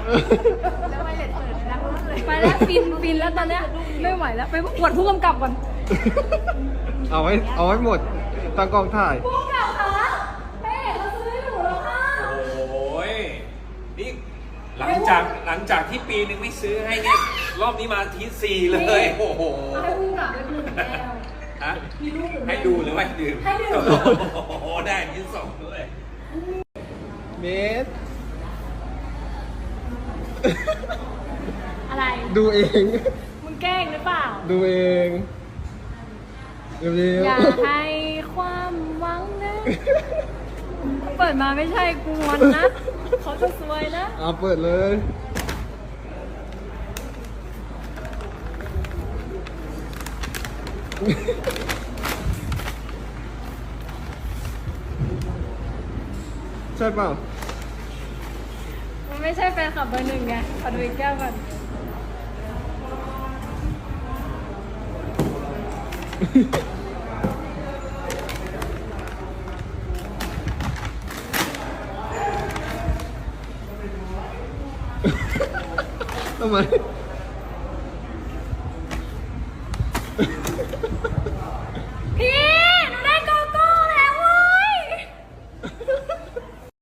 แล้วไม่เล็ดเปิดแล้วเลยไปแล้วฟินแล้วตอนเนี้ยไม่ไหวแล้วไปประกวดผู้กำกับก่อนเอาไว้หมดตั้งกล้องถ่ายผู้กำกับคะแม่เขาซื้อให้หนูแล้วค่ะโอ้ยนี่หลังจากที่ปีนึงไม่ซื้อให้เนี่ยรอบนี้มาทีสี่เลยโอ้โหให้ผู้กำกับเป็นผู้แก้วฮะมีรูปหรือไม่ให้ดูหรือไม่ดื่มให้ดูโอ้โหได้ที่สองด้วยเมสอะไรดูเองมึงแกล้งหรือเปล่าดูเองเร็วอย่าให้ความหวังนะเปิดมาไม่ใช่กูงอนนะเขาจะซวยนะเอาเปิดเลยใช่เปล่ามันไม่ใช่แฟนคลับเบอร์หนึ่งไงขอดูอีกแก้วก่อนทำไม